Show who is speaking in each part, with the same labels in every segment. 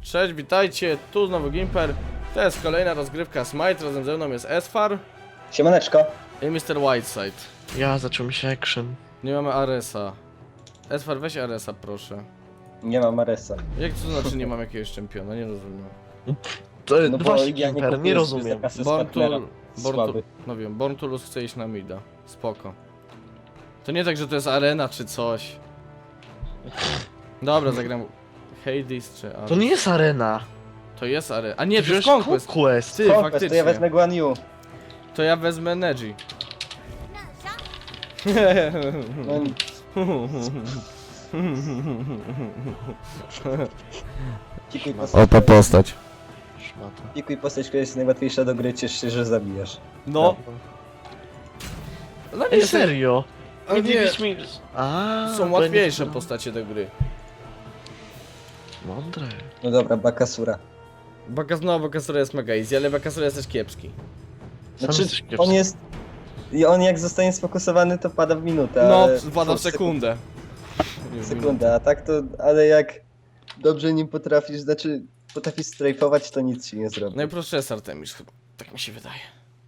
Speaker 1: Cześć, witajcie, tu znowu Gimper. To jest kolejna rozgrywka Smite, razem ze mną jest Esfar
Speaker 2: Siemaneczko.
Speaker 1: i Mr. Whiteside.
Speaker 3: Ja, zaczął mi się action.
Speaker 1: Nie mamy Aresa. Esfar, weź Aresa, proszę.
Speaker 2: Nie mam Aresa.
Speaker 1: Jak to znaczy nie mam jakiegoś czempiona? Nie rozumiem.
Speaker 3: To
Speaker 2: No bo
Speaker 3: właśnie
Speaker 2: ja
Speaker 3: Gimper, nie
Speaker 2: kupuję
Speaker 3: rozumiem.
Speaker 2: sobie kasę z
Speaker 1: Born
Speaker 2: partnera.
Speaker 1: to...
Speaker 2: Słaby.
Speaker 1: No wiem, Born to Lose chce iść na mida. Spoko. To nie tak, że to jest arena czy coś. Dobra, zagram Hades czy Ares.
Speaker 3: To nie jest arena.
Speaker 1: To jest arena. A nie, to
Speaker 3: Wziąłeś
Speaker 1: jest Conquest.
Speaker 3: Conquest.
Speaker 1: Ty,
Speaker 2: Conquest,
Speaker 1: faktycznie.
Speaker 2: to ja wezmę Guan Yu.
Speaker 1: To ja wezmę Neji.
Speaker 2: No,
Speaker 1: postać.
Speaker 3: Szmata.
Speaker 2: pikuj postać, która jest najłatwiejsza do gry, ciesz się, że zabijasz.
Speaker 1: No. No nie,
Speaker 3: Ej, serio?
Speaker 1: A
Speaker 3: Nie
Speaker 1: nie.
Speaker 3: dziwisz mi... A,
Speaker 1: Są
Speaker 3: to
Speaker 1: łatwiejsze
Speaker 3: nie-
Speaker 1: postacie do gry.
Speaker 3: Mądre.
Speaker 2: No dobra, Bakasura.
Speaker 1: Bakasura jest mega easy, ale Bakasura jest też kiepski.
Speaker 2: Znaczy,
Speaker 3: jesteś kiepski.
Speaker 2: on jest... I on jak zostanie sfokusowany, to pada w minutę,
Speaker 1: No,
Speaker 2: ale...
Speaker 1: wpada w sekundę.
Speaker 2: Sekundę, a tak to... Ale jak dobrze nim potrafisz, znaczy... Potrafisz strajfować, to nic ci nie zrobi.
Speaker 1: Najprostszy jest Artemis chyba. Tak mi się wydaje.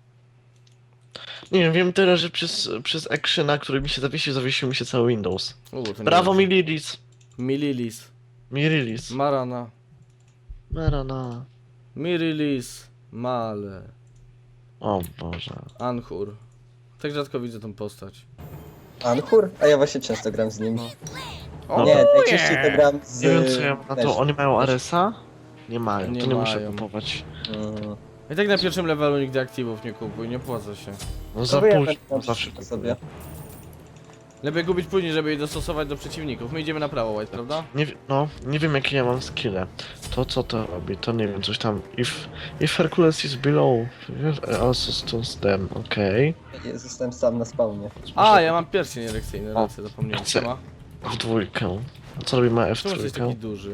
Speaker 3: Nie wiem tyle, że przez actiona, który mi się zawiesił mi się cały Windows.
Speaker 1: To nie
Speaker 3: Brawo
Speaker 1: dobrze.
Speaker 3: Mililis.
Speaker 1: Mililis.
Speaker 3: Mirilis.
Speaker 1: Marana.
Speaker 3: Marana.
Speaker 1: Mirilis. Male.
Speaker 3: O Boże.
Speaker 1: Anhur. Tak rzadko widzę tą postać.
Speaker 2: Anhur? A ja właśnie często gram z nim.
Speaker 1: O,
Speaker 2: Nie, najczęściej to gram z...
Speaker 3: Nie wiem co ja mam na
Speaker 2: Neż.
Speaker 3: to. Oni mają Aresa? Nie mają,
Speaker 1: Nie
Speaker 3: to nie muszę
Speaker 1: mają.
Speaker 3: kupować.
Speaker 2: Mm.
Speaker 1: I tak na pierwszym levelu nigdy aktywów nie kupuj, nie opłaca się.
Speaker 3: No za
Speaker 2: bo ja
Speaker 3: późno,
Speaker 2: tak
Speaker 3: zawsze
Speaker 2: sobie.
Speaker 3: kupuję.
Speaker 1: Lepiej kupić później, żeby je dostosować do przeciwników. My idziemy na prawo, White, prawda?
Speaker 3: Nie wiem jakie ja mam skille. To co to robi, to nie wiem, coś tam. If Hercules is below, also stones them, okej.
Speaker 2: Ja zostałem sam na spawnie.
Speaker 1: A, ja mam pierścień erekcyjny,
Speaker 3: O,
Speaker 1: rację, zapomniałem.
Speaker 3: chcę.
Speaker 1: Siema.
Speaker 3: W dwójkę. A co robi ma
Speaker 1: Czemu jesteś taki
Speaker 3: F3?
Speaker 1: duży?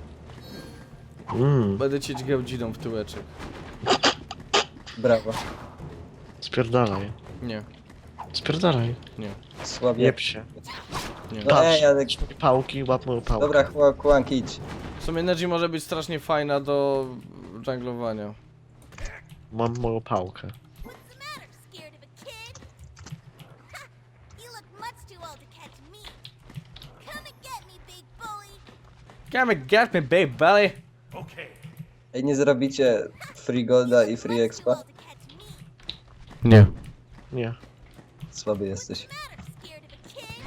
Speaker 3: Będę
Speaker 1: Cię dźgał dzidą w tyłeczek.
Speaker 2: Brawo.
Speaker 3: Spierdalaj.
Speaker 1: Nie,
Speaker 3: Spierdalaj.
Speaker 1: nie,
Speaker 2: Słabiej.
Speaker 3: Jeb się.
Speaker 1: nie.
Speaker 2: No
Speaker 3: Patrz.
Speaker 2: ej, ale...
Speaker 3: Pałki, łap moją pałkę.
Speaker 2: Dobra, Kłank, idź.
Speaker 1: W sumie Neji może być strasznie fajna do junglowania.
Speaker 3: Mam moją pałkę.
Speaker 4: What's the matter? Scared of a kid? Ha! You look much too old to catch me. Come and get me, big bully.
Speaker 1: Come and get me, babe belly!
Speaker 2: Ej, nie zrobicie free golda i free
Speaker 4: Much too
Speaker 2: expa?
Speaker 4: old to catch me.
Speaker 1: Nie.
Speaker 3: Nie.
Speaker 2: Słaby jesteś.
Speaker 4: Matter? Scared of a kid?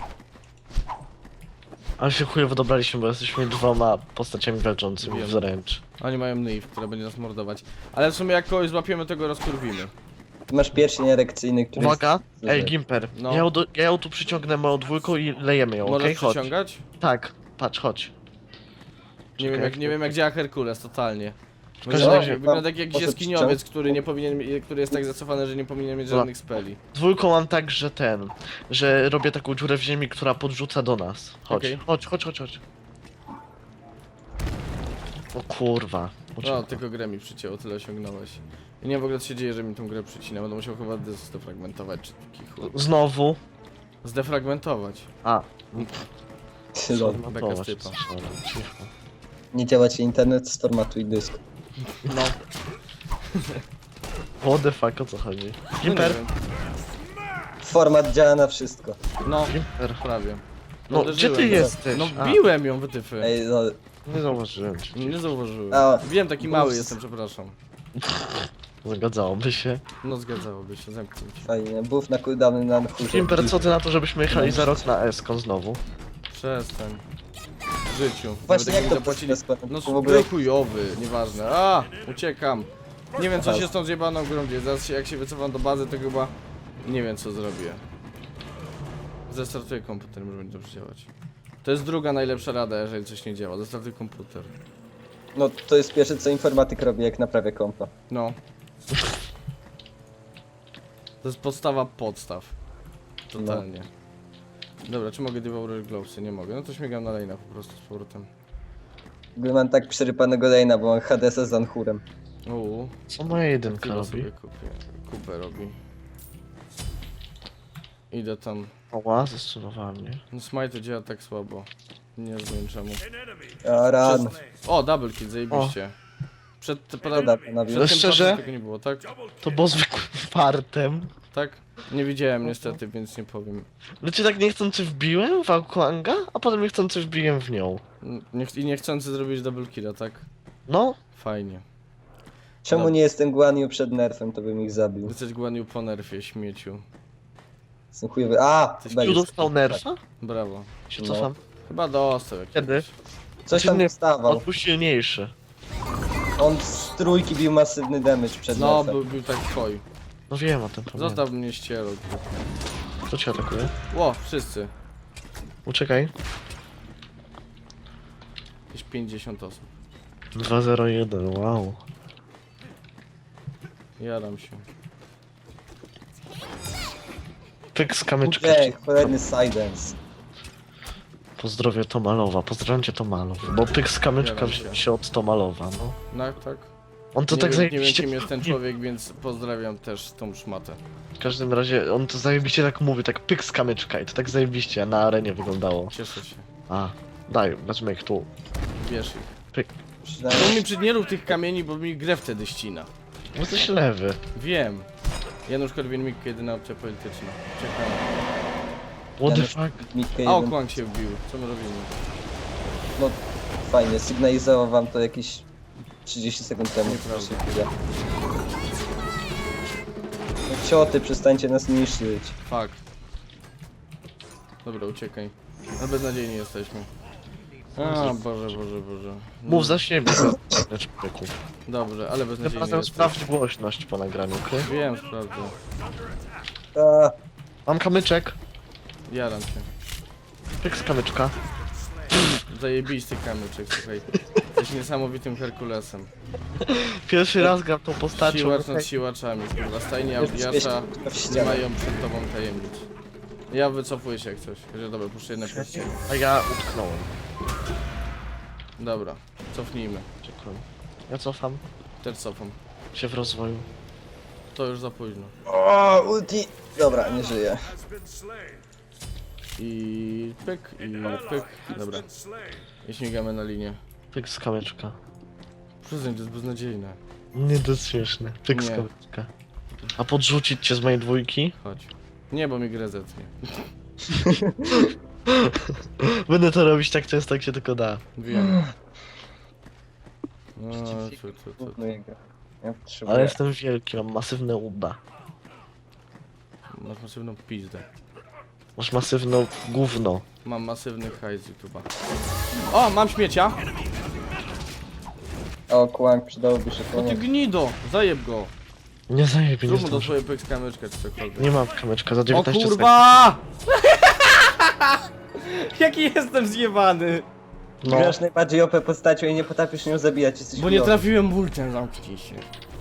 Speaker 3: Ale się chujowo dobraliśmy, bo jesteśmy dwoma postaciami walczącymi
Speaker 1: Wiem.
Speaker 3: wręcz.
Speaker 1: Oni mają Naive, która będzie nas mordować. Ale w sumie jak kogoś złapiemy, to go rozkurwimy.
Speaker 2: Ty masz pierścień erekcyjny, który
Speaker 3: Uwaga!
Speaker 2: jest...
Speaker 3: Ej, Gimper,
Speaker 1: No.
Speaker 3: ja ją tu przyciągnę moją dwójką i lejemy ją,
Speaker 1: Możesz
Speaker 3: okej? Chodź.
Speaker 1: przyciągać?
Speaker 3: Tak, patrz, chodź.
Speaker 1: Nie wiem jak działa Herkules, totalnie.
Speaker 3: każdym razie-
Speaker 1: Wygląda jak jakiś
Speaker 2: Poszedł
Speaker 1: jaskiniowiec, który nie powinien, który jest tak zacofany, że nie powinien mieć żadnych speli.
Speaker 3: Dwójką mam tak, że robię taką dziurę w ziemi, która podrzuca do nas. Chodź,
Speaker 1: Okej.
Speaker 3: chodź. O kurwa.
Speaker 1: No, tylko grę mi przycięło, tyle osiągnąłeś. I nie wiem w ogóle co się dzieje, że mi tą grę przycina, będę musiał chyba zdefragmentować, czy taki chuj.
Speaker 3: Znowu.
Speaker 1: Zdefragmentować.
Speaker 3: A.
Speaker 2: Lol.
Speaker 1: Beka z typa.
Speaker 3: Cicho.
Speaker 2: Nie działa ci internet, sformatuj dysk.
Speaker 1: No,
Speaker 3: What the fuck, o co chodzi?
Speaker 1: no nie
Speaker 3: Gimper,
Speaker 1: wiem.
Speaker 2: Format działa na wszystko.
Speaker 1: No,
Speaker 3: Gimper.
Speaker 1: prawie.
Speaker 3: No,
Speaker 1: Uderzyłem
Speaker 3: gdzie ty
Speaker 1: go.
Speaker 3: jesteś?
Speaker 1: No
Speaker 3: A,
Speaker 1: biłem ją, wytyfy.
Speaker 2: Ej, lol.
Speaker 3: nie zauważyłem cię.
Speaker 1: Nie zauważyłem.
Speaker 2: A,
Speaker 1: Wiem, taki
Speaker 2: bus.
Speaker 1: mały jestem, przepraszam.
Speaker 3: Zgadzałoby się.
Speaker 1: No zgadzałoby się, zamknij się.
Speaker 2: Fajnie. Buff na cooldowny na chórze.
Speaker 3: Gimper, co ty na to, żebyśmy jechali za rok na Eskon znowu?
Speaker 1: Przestań. W życiu.
Speaker 2: Właśnie
Speaker 1: Nawet
Speaker 2: jak to
Speaker 1: zapłacili. No
Speaker 2: w ogóle...
Speaker 1: był chujowy, nieważne. A, uciekam. Nie wiem co się z tą zjebaną grą dzieje. Zaraz jak się wycofam do bazy, to chyba nie wiem co zrobię. Zestartuję komputer, może będzie dobrze działać. To jest druga najlepsza rada, jeżeli coś nie działa. Zestartuj komputer.
Speaker 2: No, to jest pierwsze, co informatyk robi, jak naprawia kompa.
Speaker 1: No. To jest podstawa podstaw. Totalnie. Dobra, czy mogę devourer glowsy? Nie mogę. No to śmigam na lane'a po prostu z powrotem.
Speaker 2: W ogóle mam tak przerypanego lane'a, bo mam Hadesa z Anhurem.
Speaker 1: Uuu.
Speaker 3: Co moja jedynka
Speaker 1: Chyba
Speaker 3: robi?
Speaker 1: sobie kupię. Kupę robi. Idę tam.
Speaker 3: Oła, zastosowała mnie.
Speaker 1: No smite działa tak słabo. Nie wiem czemu.
Speaker 2: A ran.
Speaker 1: O, double kill, zajebiście. Przed tym
Speaker 2: Dobra, panowie.
Speaker 1: przed tym
Speaker 3: Szczerze?
Speaker 1: czasem tego nie było, tak?
Speaker 3: To było zwykłym fartem.
Speaker 1: Tak? Nie widziałem niestety, więc nie powiem.
Speaker 3: Znaczy tak niechcący wbiłem w Auklanga, a potem niechcący wbiłem w nią.
Speaker 1: I niechcący zrobić double killa, tak?
Speaker 3: No,
Speaker 1: Fajnie.
Speaker 2: Czemu nie jestem Guan Yu przed nerfem, to bym ich zabił.
Speaker 1: Jesteś Guan Yu po nerfie, śmieciu.
Speaker 2: Jestem chujowy. A!
Speaker 1: Coś
Speaker 2: chyba
Speaker 3: tu
Speaker 2: już.
Speaker 3: dostał nerfa?
Speaker 1: Brawo.
Speaker 3: Się
Speaker 2: No.
Speaker 3: cofam.
Speaker 1: Chyba dostał jakiegoś.
Speaker 3: Kiedy?
Speaker 2: Coś tam
Speaker 3: Nie,
Speaker 2: dostawał.
Speaker 3: On był silniejszy.
Speaker 2: On z trójki bił masywny damage przed
Speaker 1: No,
Speaker 2: nerfem.
Speaker 1: był tak twój.
Speaker 3: No wiem o tym, pamiętam.
Speaker 1: Zostaw mnie ścierą.
Speaker 3: Kto cię atakuje?
Speaker 1: Ło, wszyscy.
Speaker 3: Uciekaj.
Speaker 1: Jakieś 50 osób.
Speaker 3: 201, wow.
Speaker 1: Jaram się.
Speaker 3: Pyk z kamyczka.
Speaker 2: Ej, cholerny Sidens.
Speaker 3: Pozdrowię Tomalowa, pozdrawiam cię Tomalow. Bo pyk z kamyczka
Speaker 1: Zgadzam
Speaker 3: wziął
Speaker 1: się.
Speaker 3: się od Tomalowa, no.
Speaker 1: No, tak?
Speaker 3: On to
Speaker 1: nie
Speaker 3: tak
Speaker 1: wiem, nie wiem
Speaker 3: zajebiście...
Speaker 1: kim jest ten człowiek, więc pozdrawiam też tą szmatę.
Speaker 3: W każdym razie, on to zajebiście tak mówi, tak pyk z kamyczka i to tak zajebiście na arenie wyglądało.
Speaker 1: Cieszę się.
Speaker 3: A, daj, wezmę ich tu.
Speaker 1: Bierz ich.
Speaker 3: Pyk.
Speaker 1: To
Speaker 2: Przynajmniej
Speaker 1: mi nie rób tych kamieni, bo mi grę wtedy ścina.
Speaker 3: Bo jesteś lewy.
Speaker 1: Wiem. Janusz Korwin-Mikke, jedyna opcja polityczna. Czekam.
Speaker 3: What the
Speaker 2: Janusz
Speaker 3: fuck?
Speaker 2: Mikke
Speaker 1: A,
Speaker 2: jeden.
Speaker 1: Okłang się wbił. Co my robimy?
Speaker 2: No fajnie, sygnalizował wam to jakieś 30 sekund temu.
Speaker 1: Nieprawda.
Speaker 2: No cioty, przestańcie nas niszczyć.
Speaker 1: Fuck. Dobra, uciekaj. No beznadziejni jesteśmy. A, Boże.
Speaker 3: Mów za siebie, człowieku.
Speaker 1: Dobrze, ale
Speaker 3: Tym
Speaker 1: beznadziejni
Speaker 3: razem
Speaker 1: jesteśmy.
Speaker 3: sprawdź głośność po nagraniu, okej?
Speaker 1: Wiem, sprawdzę.
Speaker 2: A,
Speaker 3: Mam kamyczek.
Speaker 1: Jaram się.
Speaker 3: Pyk z kamyczka.
Speaker 1: Zajebisty kamyczek, słuchaj. Jesteś niesamowitym Herkulesem.
Speaker 3: Pierwszy raz gram tą postacią.
Speaker 1: Siłacz nad siłaczami, kurwa. Stajnie Audiasza
Speaker 2: w
Speaker 1: nie
Speaker 2: ścianę.
Speaker 1: mają przed tobą tajemnic. Ja wycofuję się jak coś. Że dobra, puszczę jedno pierścienie.
Speaker 3: A ja utknąłem.
Speaker 1: Dobra, cofnijmy.
Speaker 3: Czekaj. Ja cofam
Speaker 1: Też cofam.
Speaker 3: się w rozwoju.
Speaker 1: To już za późno.
Speaker 2: O, ulti! Dobra, nie żyję.
Speaker 1: I pyk, i pyk. Dobra. I śmigamy na linię.
Speaker 3: Pyk z kamyczka.
Speaker 1: Przyznań, to jest beznadziejne.
Speaker 3: Nie, to jest śmieszne. Pyk z
Speaker 1: Nie.
Speaker 3: kamyczka. A podrzucić cię z mojej dwójki?
Speaker 1: Chodź. Nie, bo mi grę zetnie.
Speaker 3: Będę to robić tak często, jak się tylko da.
Speaker 1: Wiem. No, co.
Speaker 2: Trudno jego. Ja potrzebuję.
Speaker 3: Ale jestem wielki, mam masywne uda.
Speaker 1: Masz masywną pizdę.
Speaker 3: Masz masywne gówno.
Speaker 1: Mam masywny hajs z YouTube'a. O, mam śmiecia!
Speaker 2: O, kłank, przydałoby się
Speaker 1: O ty
Speaker 2: pomóc.
Speaker 1: gnido! Zajeb go!
Speaker 3: Nie zajebie, nie
Speaker 1: Zrób mu do
Speaker 3: zdążę.
Speaker 1: swojej pyk z kamyczka czy cokolwiek.
Speaker 3: Nie mam kamyczka, za
Speaker 1: O
Speaker 3: 19 sekund.
Speaker 1: kurwa! Jaki jestem zjebany!
Speaker 3: No,
Speaker 2: Grasz najbardziej OP postacią i nie potrafisz nią zabijać, jesteś
Speaker 1: Bo nie
Speaker 2: chujowy.
Speaker 1: trafiłem bultem, zamknij się.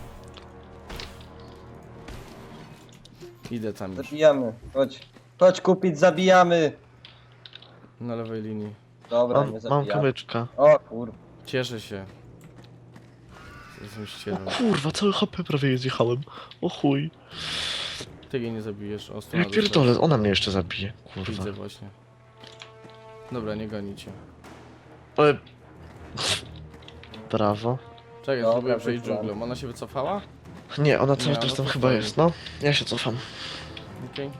Speaker 1: Idę tam już.
Speaker 2: Zabijamy, chodź. Chodź kupić, zabijamy!
Speaker 1: Na lewej linii.
Speaker 2: Dobra, nie
Speaker 3: mam
Speaker 2: zabijamy.
Speaker 3: kamyczka.
Speaker 2: O kurwa.
Speaker 1: Cieszę się. Jestem ścierą.
Speaker 3: Kurwa, cały HP prawie zjechałem. O chuj.
Speaker 1: Ty jej nie zabijesz. O,
Speaker 3: Ja
Speaker 1: strona
Speaker 3: pierdolę, ona mnie jeszcze zabije. Kurwa.
Speaker 1: Widzę właśnie. Dobra, nie gonicie.
Speaker 3: Ale... Brawo.
Speaker 1: Czekaj,
Speaker 2: Dobra,
Speaker 1: spróbuję przejść
Speaker 2: wyszłam.
Speaker 1: dżunglą. Ona się wycofała?
Speaker 3: Nie, ona
Speaker 1: Nie,
Speaker 3: cały
Speaker 1: no
Speaker 3: czas tam
Speaker 1: to
Speaker 3: chyba
Speaker 1: fajnie.
Speaker 3: jest, no. Ja się cofam.
Speaker 1: Okej.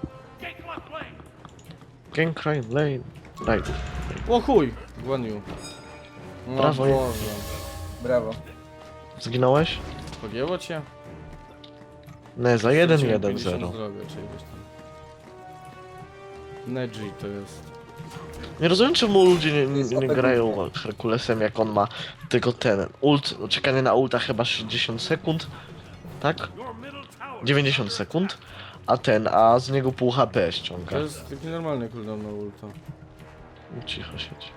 Speaker 3: Gang Crime Lane. Right.
Speaker 1: O chuj! Guan Yu. O
Speaker 3: Brawo.
Speaker 1: Boże.
Speaker 2: Brawo.
Speaker 3: Zginąłeś?
Speaker 1: Pogięło cię?
Speaker 3: Nie, za
Speaker 1: Straciłem
Speaker 3: 1-1-0.
Speaker 1: 50 zdrowia, czy ileś tam. Neji to jest.
Speaker 3: Nie rozumiem, czemu ludzie
Speaker 2: To jest
Speaker 3: nie
Speaker 2: OP
Speaker 3: grają Herkulesem, jak on ma tylko ten ult, czekanie na ulta chyba 60 sekund, tak? 90 sekund, a z niego pół HP ściąga.
Speaker 1: To jest taki normalny cooldown na ulta.
Speaker 3: Cicho siedź.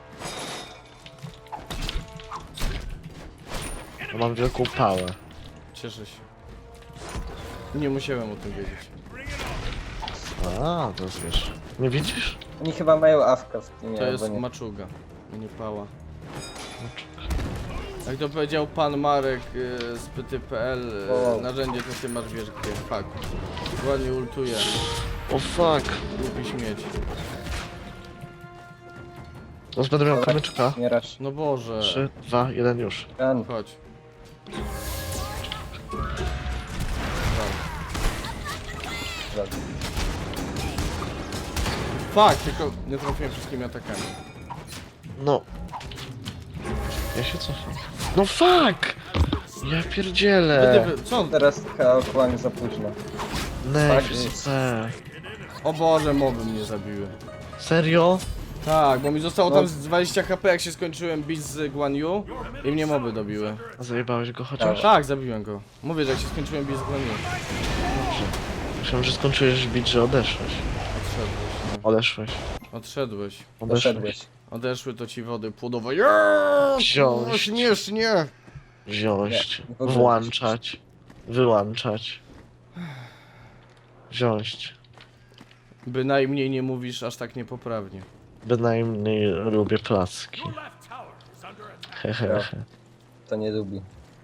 Speaker 3: Ja mam wielką pałę.
Speaker 1: Cieszę się. Nie musiałem o tym wiedzieć.
Speaker 3: A, to jest wiesz. Nie widzisz?
Speaker 2: Oni chyba mają awka w tym,
Speaker 1: To jest
Speaker 2: albo nie.
Speaker 1: maczuga, a nie pała. Jak to powiedział pan Marek z pyty.pl,
Speaker 2: O.
Speaker 1: narzędzie to ty masz wiesz gdzie. Fuck. Ładnie ultuje.
Speaker 3: O fuck.
Speaker 1: Głupi śmieć.
Speaker 3: Teraz będę miał kamyczka.
Speaker 2: Mierasz.
Speaker 1: No Boże.
Speaker 3: 3, 2, 1 już.
Speaker 2: Kan.
Speaker 1: Chodź. Fuck, tylko nie trafiłem wszystkimi atakami.
Speaker 3: No. Ja się cofam. No fuck! Ja pierdzielę.
Speaker 1: Co on?
Speaker 2: Teraz Kaokłang za późno.
Speaker 3: Nej,
Speaker 2: Fuck.
Speaker 3: super.
Speaker 1: O Boże, moby mnie zabiły.
Speaker 3: Serio?
Speaker 1: Tak, bo mi zostało
Speaker 2: No.
Speaker 1: tam z 20 HP, jak się skończyłem bić z Guan Yu i mnie moby dobiły.
Speaker 3: Zajebałeś go chociaż?
Speaker 1: Tak, zabiłem go. Mówię, że jak się skończyłem bić z Guan Yu.
Speaker 3: Myślałem, że skończyłeś bić, że odeszłeś.
Speaker 1: Odszedłeś.
Speaker 3: Odeszłeś.
Speaker 1: Odszedłeś.
Speaker 2: Doszedłeś.
Speaker 1: Odeszły to ci wody płodowe.
Speaker 3: Wziąć.
Speaker 1: Śmiesznie.
Speaker 3: Wziąć.
Speaker 2: Nie, w ogóle.
Speaker 3: Włączać. Wyłączać. Wziąć.
Speaker 1: Bynajmniej nie mówisz aż tak niepoprawnie.
Speaker 3: Bynajmniej lubię placki. Hehehe.
Speaker 2: To nie lubi.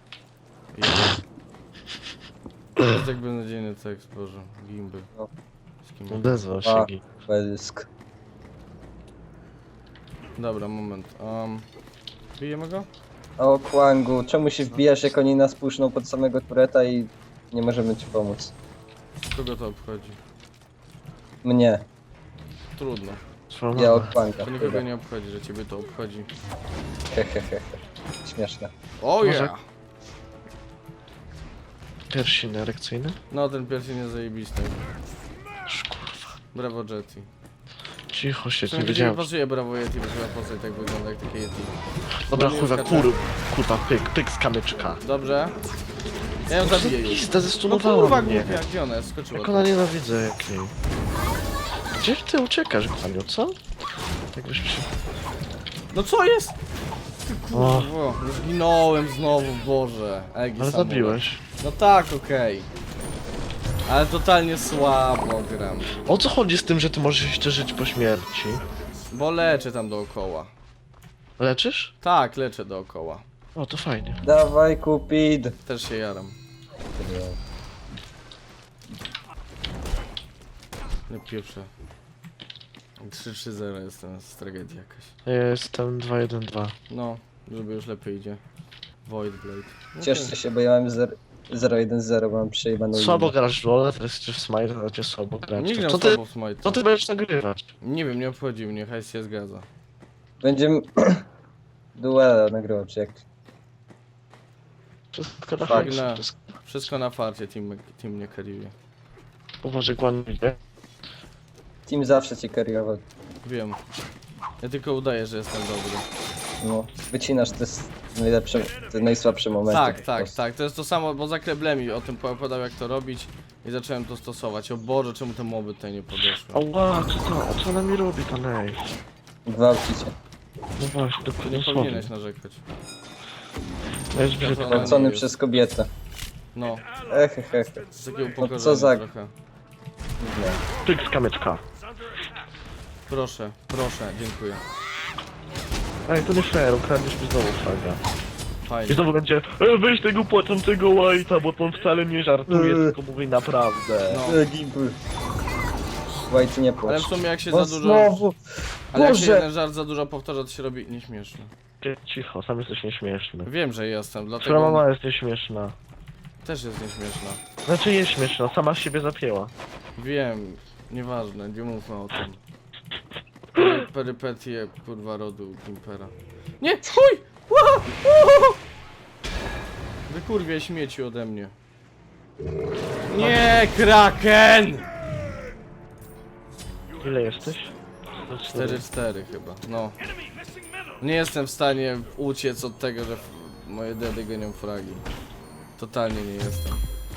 Speaker 1: To jest jak beznadziejny tekst, Boże. Gimby.
Speaker 2: No.
Speaker 1: Z kim?
Speaker 3: Odezwał się
Speaker 2: A.
Speaker 3: Gi.
Speaker 2: Belsk.
Speaker 1: Dobra, moment. Bijemy go?
Speaker 2: O Kwangu, czemu się wbijasz jak oni nas puszczą pod samego tureta i nie możemy ci pomóc?
Speaker 1: Kogo to obchodzi?
Speaker 2: Mnie.
Speaker 1: Trudno.
Speaker 3: Swoją
Speaker 2: Ja o
Speaker 3: mamę.
Speaker 2: Kwanga.
Speaker 1: To nikogo nie obchodzi, że ciebie to obchodzi.
Speaker 2: Hehehe. Śmieszne.
Speaker 1: O
Speaker 3: Może-
Speaker 1: yeah!
Speaker 3: Pierścień erekcyjny?
Speaker 1: No ten pierwszy nie zajebisty.
Speaker 3: Kurwa.
Speaker 1: Brawo Jetty.
Speaker 3: Cicho się, nie
Speaker 1: Przynajmniej nie
Speaker 3: wiedziałem.
Speaker 1: pasuje Brawo Yeti, bo chyba postać tak wygląda jak takie Yeti.
Speaker 3: Dobra,
Speaker 1: nie
Speaker 3: kurwa,
Speaker 1: skacze.
Speaker 3: kurwa, pyk z kamyczka.
Speaker 1: Dobrze. Ja ją zabiję już.
Speaker 3: Pizda,
Speaker 1: No
Speaker 3: zestunowała
Speaker 1: kurwa
Speaker 3: mnie.
Speaker 1: głupia, gdzie ona jest? Skoczyła.
Speaker 3: Jak ona nienawidzę jakiej. Gdzie ty uciekasz, Gwaniu, co? Jakbyś się...
Speaker 1: No co jest? Ty
Speaker 3: O.
Speaker 1: kurwa, no zginąłem znowu, Boże. Egi
Speaker 3: Ale
Speaker 1: samolot.
Speaker 3: zabiłeś.
Speaker 1: No tak, okej. Ale totalnie słabo gram.
Speaker 3: O co chodzi z tym, że ty możesz jeszcze żyć po śmierci?
Speaker 1: Bo leczę tam dookoła.
Speaker 3: Leczysz?
Speaker 1: Tak, leczę dookoła.
Speaker 3: O, to fajnie.
Speaker 2: Dawaj Kupid!
Speaker 1: Też się jaram. Nie pieprzę. 3-3-0 jestem, z tragedii jakaś.
Speaker 3: Ja jestem 2-1-2.
Speaker 1: No, żeby już lepiej idzie. Void Blade. No
Speaker 2: Cieszcie się, bo ja mam 0-1-0, bo mam przejebaną
Speaker 3: Słabo
Speaker 2: linię.
Speaker 3: grasz w LoL, teraz jesteś w Smite, a cię słabo grać.
Speaker 1: Nie gram
Speaker 3: Co ty,
Speaker 1: słabo w Smite.
Speaker 3: co ty będziesz nagrywać?
Speaker 1: Nie wiem, nie obchodzi mnie, hajs się zgadza.
Speaker 2: Będziemy duela nagrywał, czy jak?
Speaker 3: Wszystko na
Speaker 2: Tak,
Speaker 3: hajs,
Speaker 1: na-
Speaker 3: wszystko.
Speaker 1: Wszystko na farcie, team mnie carryuje.
Speaker 3: Uważaj, Gwan idzie.
Speaker 2: Team zawsze cię kariował.
Speaker 1: Wiem. Ja tylko udaję, że jestem dobry.
Speaker 2: No, wycinasz te najsłabsze momenty.
Speaker 1: Tak,
Speaker 2: po
Speaker 1: tak,
Speaker 2: prostu.
Speaker 1: tak. To jest to samo, bo za Kleblemi o tym opowiadał jak to robić i zacząłem to stosować. O Boże, czemu te moby tutaj nie podeszły?
Speaker 3: Ała, co ona mi robi, ta nej?
Speaker 2: Gwałci cię.
Speaker 3: No właśnie,
Speaker 1: To
Speaker 3: dokładnie
Speaker 1: nie
Speaker 3: słowo.
Speaker 1: powinieneś narzekać.
Speaker 3: To jest brzydko.
Speaker 1: Ona nie
Speaker 2: Gwałcony
Speaker 1: jest.
Speaker 2: przez kobietę.
Speaker 1: No,
Speaker 2: Ehehe.
Speaker 1: z takiego
Speaker 2: co
Speaker 1: upokorzenia
Speaker 2: za-
Speaker 1: trochę.
Speaker 3: Pyk z kamyczka.
Speaker 1: Proszę, proszę, dziękuję.
Speaker 3: Ej, to nie fair, ukradniesz mi znowu fraga. I
Speaker 1: Fajnie.
Speaker 3: znowu będzie, weź tego płaczącego White'a, bo on wcale nie żartuje, tylko mówi naprawdę.
Speaker 1: No.
Speaker 2: Gimpy. White nie
Speaker 1: Ale
Speaker 2: płacz.
Speaker 1: w sumie jak się
Speaker 2: No
Speaker 1: za dużo...
Speaker 2: znowu!
Speaker 1: Ale jak się
Speaker 2: Boże!
Speaker 1: jeden żart za dużo powtarza, to się robi nieśmieszny.
Speaker 3: Ty, cicho, sam jesteś nieśmieszny.
Speaker 1: Wiem, że jestem,
Speaker 3: Twoja
Speaker 1: dlatego
Speaker 3: mama jest nieśmieszna.
Speaker 1: też jest nieśmieszna.
Speaker 3: Znaczy jest śmieszna, sama z siebie zapięła.
Speaker 1: Wiem, nieważne, nie mówmy o tym. Perypetie, kurwa, rodu Gimpera. Nie, chuj! Ła! Ła! Wykurwie śmieci ode mnie. Nie, Kraken!
Speaker 3: Ile jesteś?
Speaker 1: 4-4 chyba, no. Nie jestem w stanie uciec od tego, że moje dedy gonią fragi. Totalnie nie jestem.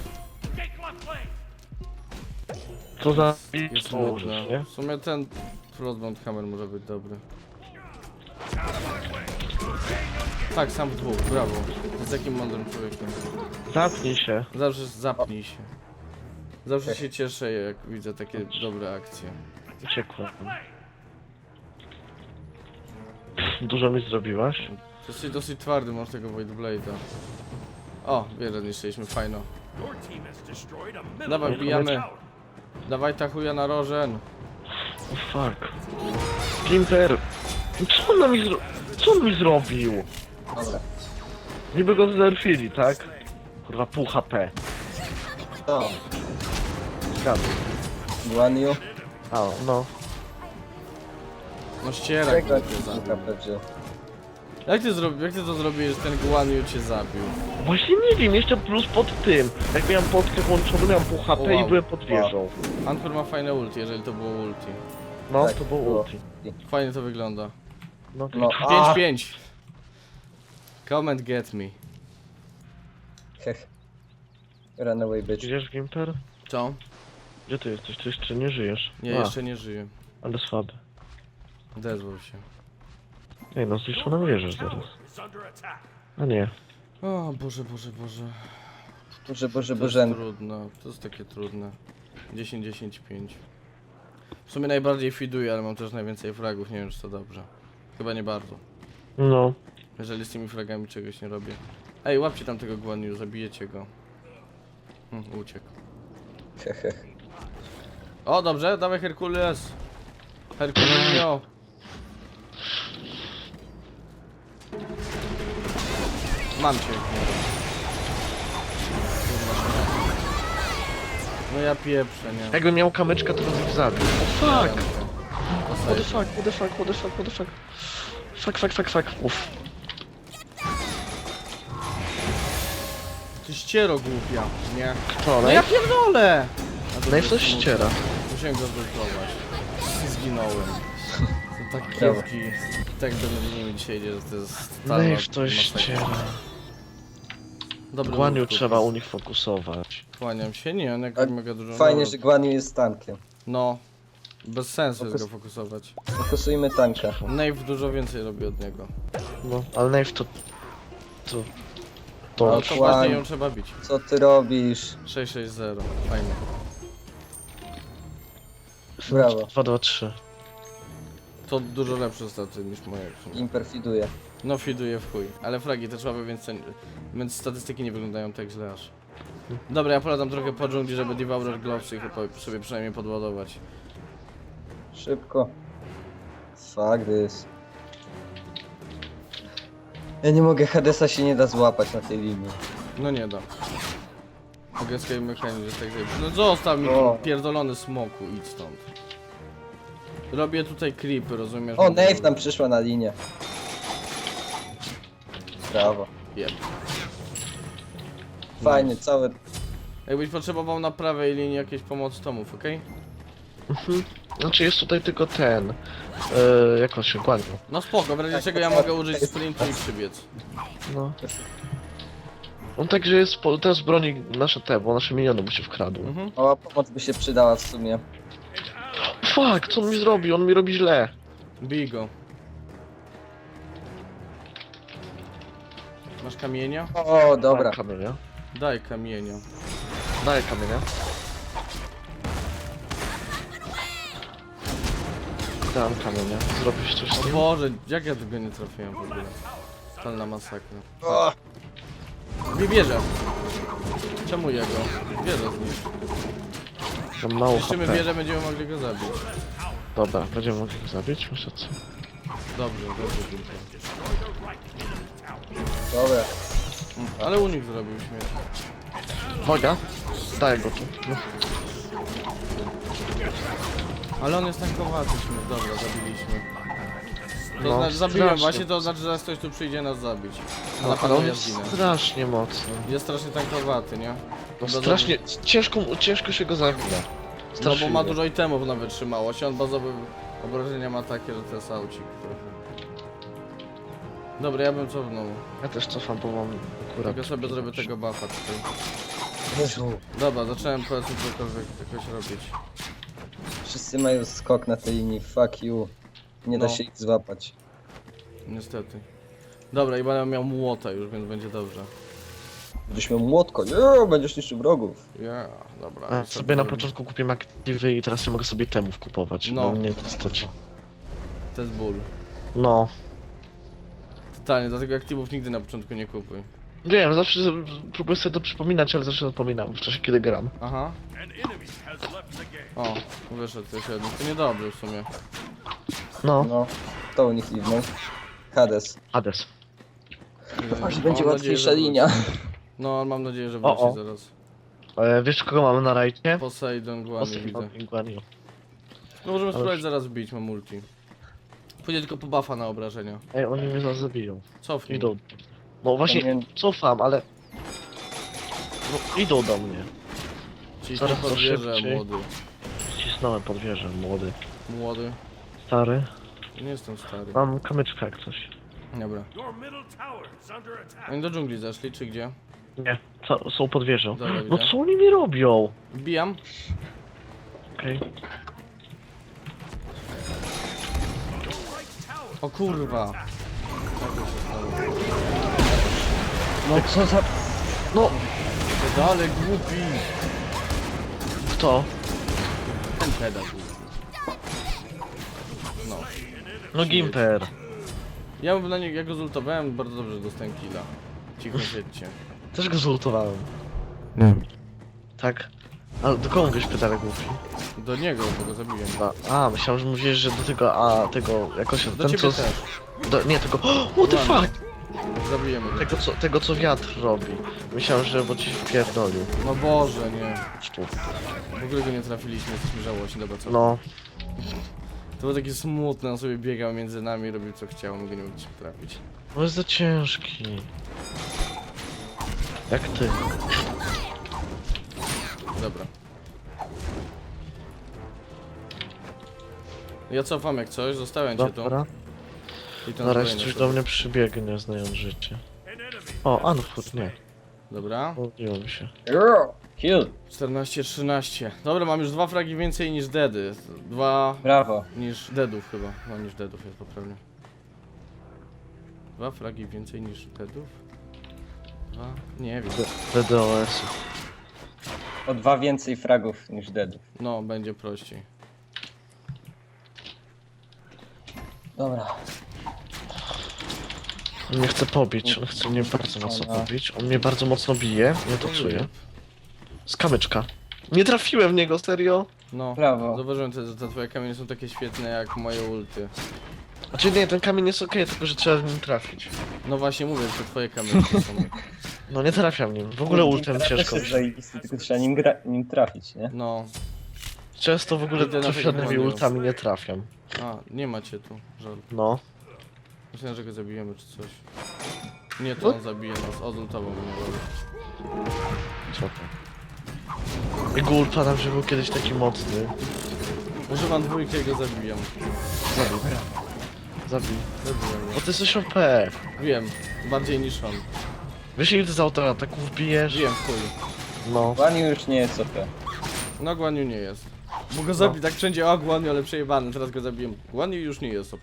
Speaker 3: Co za...
Speaker 1: Jest
Speaker 3: Co
Speaker 1: nudne.
Speaker 3: użyć, nie?
Speaker 1: W sumie ten Frostbound Hammer może być dobry. Tak, sam w dwóch, brawo. Z jakim mądrym człowiekiem.
Speaker 3: Zapnij się.
Speaker 1: Zawsze zapnij się. Zawsze się cieszę, jak widzę takie dobre akcje.
Speaker 3: Uciekłem. Dużo mi zrobiłaś?
Speaker 1: Jesteś dosyć twardy, masz tego Void Blade'a. O, wieżę zniszczyliśmy, fajno. Dawaj, bijamy. Dawaj ta chuja na rożen.
Speaker 3: Oh fuck. Gimper! Co on mi zrobił?
Speaker 2: Dobra.
Speaker 3: Niby go znerfili, tak? Kurwa, pół HP.
Speaker 2: To,
Speaker 3: Zgadza.
Speaker 2: Guanyu.
Speaker 3: A, no.
Speaker 1: No ścierak
Speaker 2: Czego
Speaker 1: cię
Speaker 2: ci
Speaker 1: zabił.
Speaker 2: KP wziął?
Speaker 1: Jak ty to zrobiłeś, że ten Guanyu cię zabił?
Speaker 3: Właśnie nie wiem, jeszcze plus pod tym. Jak miałem podkę włączoną, miałem pół HP
Speaker 1: Wow.
Speaker 3: i byłem pod wieżą.
Speaker 1: Ankur ma fajne ulti, jeżeli to było ulti.
Speaker 3: No,
Speaker 2: Tak,
Speaker 3: to było
Speaker 2: było.
Speaker 3: ulti.
Speaker 1: Fajnie to wygląda.
Speaker 3: No,
Speaker 2: No,
Speaker 1: 5-5. Come and get me.
Speaker 2: Hech. Run away, bitch.
Speaker 3: Idziesz, Gimper?
Speaker 1: Co?
Speaker 3: Gdzie ty jesteś? Ty jeszcze nie żyjesz.
Speaker 1: Nie, jeszcze nie żyję.
Speaker 3: Ale słaby.
Speaker 1: Odezwał się.
Speaker 3: Ej, no zniszczoną wieżę zaraz. A nie.
Speaker 1: O Boże, Boże, Boże.
Speaker 2: Boże, Boże,
Speaker 1: To jest
Speaker 2: Boże.
Speaker 1: trudne, to jest takie trudne. 10-10-5. W sumie najbardziej fiduję, ale mam też najwięcej fragów, nie wiem czy to dobrze. Chyba nie bardzo.
Speaker 3: No.
Speaker 1: Jeżeli z tymi fragami czegoś nie robię. Ej, łapcie tam tego Guanyu, zabijecie go. Uciekł.
Speaker 2: Hehe.
Speaker 1: O, dobrze, dawaj Herkules. Herkulinio. Mam cię. No ja pieprzę, nie.
Speaker 3: Jakbym miał kamyczkę, to bym ich zabił. O fuck! What the
Speaker 1: Posaję.
Speaker 3: fuck, what the fuck, what the fuck, what the fuck. Fuck. Uff.
Speaker 1: Ty ściero głupia, nie?
Speaker 3: Kto?
Speaker 1: No ja pierdolę!
Speaker 3: No i coś ściera.
Speaker 1: Musiałem go zblokować. Zginąłem. To tak
Speaker 2: Brawo.
Speaker 1: kiepki. Tak do nimi dzisiaj idzie, że to jest
Speaker 3: No
Speaker 1: totalna
Speaker 3: i w coś
Speaker 1: masakra.
Speaker 3: ściera.
Speaker 1: Dobry
Speaker 3: Guaniu
Speaker 1: move,
Speaker 3: trzeba
Speaker 1: Kupis.
Speaker 3: u nich fokusować.
Speaker 1: Kłaniam się, nie, on jak
Speaker 2: A
Speaker 1: mega dużo...
Speaker 2: Fajnie,
Speaker 1: no,
Speaker 2: że Guanyu jest tankiem.
Speaker 1: No. Bez sensu jest
Speaker 2: Fokus-
Speaker 1: go fokusować.
Speaker 2: Fokusujmy tanka.
Speaker 1: Nave dużo więcej robi od niego.
Speaker 3: No, ale Nave to... To...
Speaker 1: No
Speaker 3: To...
Speaker 1: to
Speaker 2: Kłań.
Speaker 1: właśnie ją trzeba bić.
Speaker 2: Co ty robisz?
Speaker 1: 6-6-0. Fajnie.
Speaker 2: Brawo.
Speaker 3: 2, 2, 3.
Speaker 1: To dużo lepsze staty niż moje.
Speaker 2: Imperfiduje.
Speaker 1: No fiduje w chuj. Ale fragi też słabe, więc statystyki nie wyglądają tak źle aż. Dobra, ja polecam trochę po dżungli, żeby Devourer Globesy sobie przynajmniej podładować.
Speaker 2: Szybko. Fuck this. Ja nie mogę, Hadesa się nie da złapać na tej linii.
Speaker 1: No nie da. Mogę z mechanizm, że tak zrobić. No zostaw mi
Speaker 2: O.
Speaker 1: pierdolony smoku, idź stąd. Robię tutaj creepy, rozumiesz?
Speaker 2: O, Nave tam przyszła na linię. Brawo.
Speaker 1: Jeb.
Speaker 2: Fajnie, całe...
Speaker 1: Jakbyś potrzebował na prawej linii jakiejś pomocy tomów, okej?
Speaker 3: Znaczy jest tutaj tylko ten... jak on się Guaniu.
Speaker 1: No spoko, w razie
Speaker 2: Tak,
Speaker 1: czego ja
Speaker 2: tak,
Speaker 1: mogę
Speaker 2: tak.
Speaker 1: użyć sprintu i przybiec.
Speaker 3: No. On także jest... Teraz broni nasze te, bo nasze miniony mu się wkradły.
Speaker 1: Mhm.
Speaker 2: Mała pomoc by się przydała w sumie.
Speaker 3: Fuck, co on mi zrobi? On mi robi źle.
Speaker 1: Bij go. Masz kamienia?
Speaker 2: O, dobra.
Speaker 3: Daj kamienia.
Speaker 1: Daj kamienia.
Speaker 3: Daj kamienia. Dam kamienia. Zrobisz coś z
Speaker 1: O
Speaker 3: tym?
Speaker 1: Boże, jak ja tego nie trafiłem w ogóle? Totalna masakra.
Speaker 2: O,
Speaker 1: Nie bierze. Czemu jego? Bierze z nich.
Speaker 3: Mam mało
Speaker 1: Niszczymy
Speaker 3: HP.
Speaker 1: wieżę, będziemy mogli go zabić.
Speaker 3: Dobra, będziemy mogli go zabić? Myślę co?
Speaker 1: Dobrze, Gimper.
Speaker 2: dobra.
Speaker 1: Ale unik zrobił śmierć.
Speaker 3: Uwaga! Daj go tu. No.
Speaker 1: Ale on jest tankowaty śmierć. Dobra, zabiliśmy. To
Speaker 3: No,
Speaker 1: znaczy, zabiłem
Speaker 3: strasznie.
Speaker 1: właśnie, to znaczy, że zaraz ktoś tu przyjdzie nas zabić. A na
Speaker 3: No, ale
Speaker 1: pewno
Speaker 3: on
Speaker 1: ja
Speaker 3: jest
Speaker 1: zginę.
Speaker 3: strasznie mocny.
Speaker 1: Jest strasznie tankowaty, nie?
Speaker 3: No,
Speaker 1: Chyba
Speaker 3: strasznie... Ciężko się go zabija.
Speaker 1: No bo
Speaker 3: Strasznie.
Speaker 1: ma dużo itemów na wytrzymałość, on bazowe obrażenia ma takie, że to jest aucik trochę. Dobra, ja bym cofnął.
Speaker 3: Ja też cofam, bo mam akurat...
Speaker 1: Tylko sobie zrobię tego buffa tutaj.
Speaker 2: Jezu.
Speaker 1: Dobra, zacząłem powiedzmy cokolwiek jakoś robić.
Speaker 2: Wszyscy mają skok na tej linii, fuck you. Nie da
Speaker 1: No.
Speaker 2: się ich złapać.
Speaker 1: Niestety. Dobra, i będę miał młota już, więc będzie dobrze.
Speaker 2: Będziesz miał młotko, nie, będziesz niszczył wrogów.
Speaker 1: Ja, dobra.
Speaker 3: A,
Speaker 1: i
Speaker 3: sobie na początku kupiłem aktywy i teraz nie mogę sobie temów kupować.
Speaker 1: No.
Speaker 3: No mnie to stać.
Speaker 1: To jest ból.
Speaker 3: No.
Speaker 1: Totalnie, dlatego aktywów nigdy na początku nie kupuj.
Speaker 3: Wiem, zawsze próbuję sobie to przypominać, ale zawsze zapominam w czasie kiedy gram.
Speaker 1: Aha. O, wyszedł też jeden. To niedobrze w sumie.
Speaker 3: No.
Speaker 2: No. Kto u nich liwnął? Hades.
Speaker 3: Hades.
Speaker 2: Aż
Speaker 1: Mam
Speaker 2: będzie
Speaker 1: nadzieję,
Speaker 2: łatwiejsza
Speaker 1: że
Speaker 2: linia.
Speaker 1: wróci. No, mam nadzieję, że
Speaker 3: O,
Speaker 1: wróci
Speaker 3: o.
Speaker 1: zaraz.
Speaker 3: Wiesz kogo mamy na rajcie?
Speaker 1: Poseidon, Guan widzę.
Speaker 3: Poseidon i Guanyu.
Speaker 1: No możemy
Speaker 3: Ale-
Speaker 1: spróbować zaraz wbić, mam multi. Pójdę tylko po buffa na obrażenia.
Speaker 3: Ej, oni mnie zaraz zabiją.
Speaker 1: Cofnij.
Speaker 3: Idą. No właśnie,
Speaker 2: Powinien-
Speaker 3: cofam, ale... No, idą do mnie.
Speaker 1: Ciśnij
Speaker 3: Coraz to
Speaker 1: pod wieżę,
Speaker 3: szybciej.
Speaker 1: młody.
Speaker 3: Ścisnąłem pod wieżę, młody.
Speaker 1: Młody.
Speaker 3: Stary.
Speaker 1: Nie jestem stary.
Speaker 3: Mam kamyczka jak coś.
Speaker 1: Dobra. Oni do dżungli zeszli, czy gdzie?
Speaker 3: Nie, są pod wieżą.
Speaker 1: Dobra,
Speaker 3: No
Speaker 1: widzę.
Speaker 3: co oni mi robią?
Speaker 1: Wbijam.
Speaker 3: Okej.
Speaker 1: O kurwa. Jak to się stało?
Speaker 2: No co za...
Speaker 3: No,
Speaker 1: Pedale głupi.
Speaker 3: kto?
Speaker 1: Ten pedał głupi. No.
Speaker 3: No Gimper.
Speaker 1: Ja bym na niego, jak go zultowałem, bardzo dobrze dostałem killa. Cicho siedźcie.
Speaker 3: Też go zultowałem.
Speaker 1: Nie.
Speaker 3: Tak. Ale do kogo mówisz pytanie głupi?
Speaker 1: Do niego, bo go zabiłem.
Speaker 3: Myślałem, że mówisz, że do tego, tego, jakoś
Speaker 1: Do
Speaker 3: ten
Speaker 1: ciebie
Speaker 3: co...
Speaker 1: też.
Speaker 3: Nie, tego... What the
Speaker 1: Ładnie.
Speaker 3: fuck?
Speaker 1: Zabijemy go.
Speaker 3: Tego co wiatr robi. Myślałem, że bo ci wpierdolił.
Speaker 1: No Boże, nie.
Speaker 3: Sztuk.
Speaker 1: W ogóle go nie trafiliśmy, jesteśmy żałośni, dobra co?
Speaker 3: No.
Speaker 1: To było takie smutne, on sobie biegał między nami, robił co chciał, my go nie mogliśmy trafić.
Speaker 3: No jest za ciężki. Jak ty.
Speaker 1: Dobra. Ja cofam jak coś, zostawiam cię tu.
Speaker 3: Dobra.
Speaker 1: I to
Speaker 3: Zaraz
Speaker 1: zbrojenie
Speaker 3: coś
Speaker 1: sobie.
Speaker 3: do mnie przybiegnie, znając życie. O, Anfurt, nie.
Speaker 1: Dobra.
Speaker 3: Mówiło mi się.
Speaker 2: Kill.
Speaker 1: 14-13. Dobra, mam już 2 fragi więcej niż deady. 2
Speaker 2: Brawo.
Speaker 1: niż deadów chyba. No niż deadów jest poprawnie. 2 fragi więcej niż deadów? 2? Nie wiem.
Speaker 3: DDoS-u.
Speaker 2: O 2 więcej fragów niż deadów.
Speaker 1: No, będzie prościej.
Speaker 2: Dobra.
Speaker 3: On mnie chce pobić, on chce mnie bardzo mocno pobić. On mnie bardzo mocno bije, ja to czuję. Z kamyczka. Nie trafiłem w niego, serio?
Speaker 1: No,
Speaker 2: Brawo.
Speaker 1: zauważyłem, że te twoje kamienie są takie świetne jak moje ulty.
Speaker 3: Znaczy nie, ten kamień jest okej, tylko że trzeba w nim trafić.
Speaker 1: No właśnie mówię, że te twoje kamienie są.
Speaker 3: No nie trafiam nim, w ogóle ultem
Speaker 2: Teraz
Speaker 3: ciężko.
Speaker 2: jest zajebisty, tylko trzeba nim trafić, nie?
Speaker 1: No.
Speaker 3: Często w ogóle
Speaker 1: Idę na
Speaker 3: trafionymi
Speaker 1: tego
Speaker 3: ultami nie trafiam.
Speaker 1: A, nie macie tu. Żal.
Speaker 3: No.
Speaker 1: Myślałem, że go zabijemy czy coś. Nie, to on zabije nas. Odultował mnie.
Speaker 3: Co to? Jego ult padam, że był kiedyś taki mocny.
Speaker 1: Używam dwójkę i go zabijam.
Speaker 3: Zabij. Zabij.
Speaker 1: Zabiłem
Speaker 3: Bo
Speaker 1: go.
Speaker 3: ty jesteś OP.
Speaker 1: Wiem, bardziej niż on.
Speaker 3: Wiesz ile ty z autoataków bijesz?
Speaker 1: Wiem, w chuj.
Speaker 3: No.
Speaker 2: Wani już nie jest OP.
Speaker 1: No Guanyu nie jest. Bo go zabi tak wszędzie, o Guanyu, ale przejebany, teraz go zabiłem. Guanyu już nie jest OP.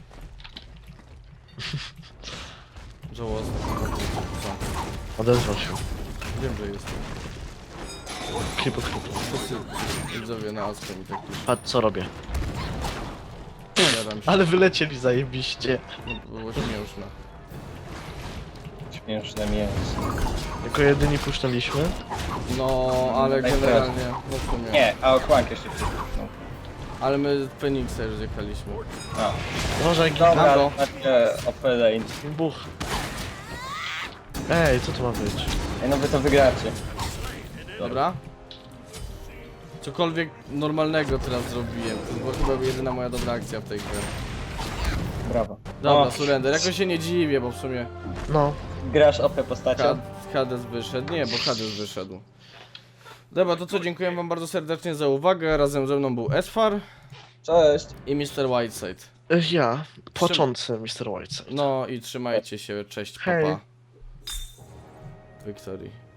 Speaker 1: Żałosne. Co?
Speaker 3: Odezwał się.
Speaker 1: Wiem, że jest.
Speaker 3: Hipokrytą.
Speaker 1: Wszyscy widzowie na Aspen i tak już
Speaker 3: Patrz co robię.
Speaker 1: jaram się.
Speaker 3: Ale wylecieli zajebiście.
Speaker 1: No, było śmieszne.
Speaker 2: Śmieszne mięso.
Speaker 3: Jako jedyni puszczaliśmy.
Speaker 1: No, ale generalnie, no w sumie.
Speaker 2: Nie, a okłank jeszcze no.
Speaker 1: Ale my Feniksa już zjechaliśmy.
Speaker 2: A.
Speaker 3: Uważaj,
Speaker 2: Dobra,
Speaker 1: Brawo.
Speaker 2: takie OP lane.
Speaker 3: buch. Ej, co to ma być?
Speaker 2: Ej, no wy to wygracie.
Speaker 1: Dobra? Cokolwiek normalnego teraz zrobiłem. To była chyba jedyna moja dobra akcja w tej grze.
Speaker 2: Brawo.
Speaker 1: Dobra,
Speaker 2: O,
Speaker 1: surrender. Jakoś się nie dziwię, bo w sumie
Speaker 3: No.
Speaker 2: grasz OP postacią?
Speaker 1: Hades wyszedł. Nie, bo Hades wyszedł. Dobra, to co, dziękuję wam bardzo serdecznie za uwagę. Razem ze mną był Esfar
Speaker 2: Cześć.
Speaker 1: i Mr. Whiteside.
Speaker 3: Ja, płaczący Mr. Whiteside.
Speaker 1: No i trzymajcie się, cześć,
Speaker 3: Hej.
Speaker 1: papa. Victory.